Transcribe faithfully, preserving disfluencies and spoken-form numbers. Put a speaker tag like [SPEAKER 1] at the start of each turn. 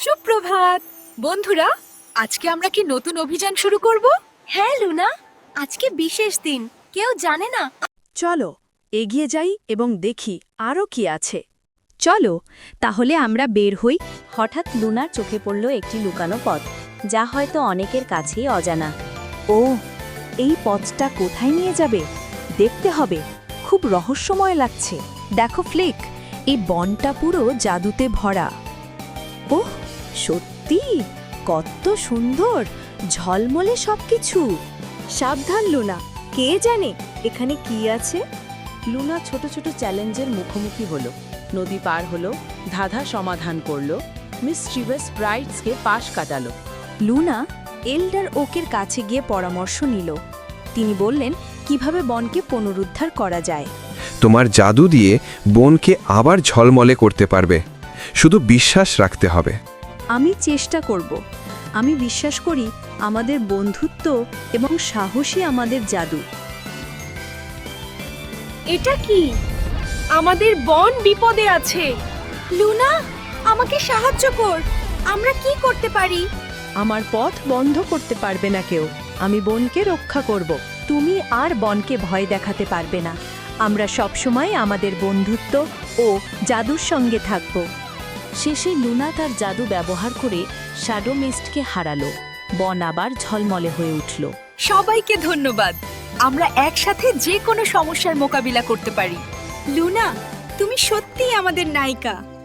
[SPEAKER 1] সুপ্রভাত বন্ধুরা, আজকে আমরা কি নতুন অভিযান শুরু করব?
[SPEAKER 2] হ্যাঁ লুনা, আজকে বিশেষ দিন, কেউ জানে না।
[SPEAKER 3] চলো এগিয়ে যাই এবং দেখি আরও কি আছে।
[SPEAKER 4] চলো তাহলে আমরা বের হই। হঠাৎ লুনার চোখে পড়ল একটি লুকানো পথ, যা হয়তো অনেকের কাছেই অজানা। ও, এই পথটা কোথায় নিয়ে যাবে দেখতে হবে, খুব রহস্যময় লাগছে। দেখো ফ্লিক, এই বনটা পুরো জাদুতে ভরা। ওহ, সত্যি কত সুন্দর, ঝলমলে সবকিছু।
[SPEAKER 3] সাবধান লুনা, কে জানে এখানে কি আছে।
[SPEAKER 5] লুনা ছোট ছোট চ্যালেঞ্জের মুখোমুখি হলো, নদী পার হলো, ধাঁধা সমাধান করলো, মিস ট্রিভেস ব্রাইটসকে পাশ কাটালো।
[SPEAKER 4] লুনা এল্ডার ওকের কাছে গিয়ে পরামর্শ নিল। তিনি বললেন কিভাবে বনকে পুনরুদ্ধার করা যায়।
[SPEAKER 6] তোমার জাদু দিয়ে বনকে আবার ঝলমলে করতে পারবে, শুধু বিশ্বাস রাখতে হবে।
[SPEAKER 4] আমি চেষ্টা করব। আমি বিশ্বাস করি আমাদের বন্ধুত্ব এবং সাহসী আমাদের জাদু।
[SPEAKER 2] এটা কি? আমাদের বন বিপদে আছে। লুনা, আমাকে সাহায্য কর। আমরা কি করতে পারি?
[SPEAKER 3] আমার পথ বন্ধ করতে পারবে না কেউ, আমি বনকে রক্ষা করব।
[SPEAKER 4] তুমি আর বনকে ভয় দেখাতে পারবে না। আমরা সবসময় আমাদের বন্ধুত্ব ও জাদুর সঙ্গে থাকব। শেষে লুনা তার জাদু ব্যবহার করে শ্যাডো মিস্টকে হারালো। বন আবার ঝলমলে হয়ে উঠল।
[SPEAKER 1] সবাইকে ধন্যবাদ। আমরা একসাথে যে কোনো সমস্যার মোকাবিলা করতে পারি।
[SPEAKER 2] লুনা, তুমি সত্যিই আমাদের নায়িকা।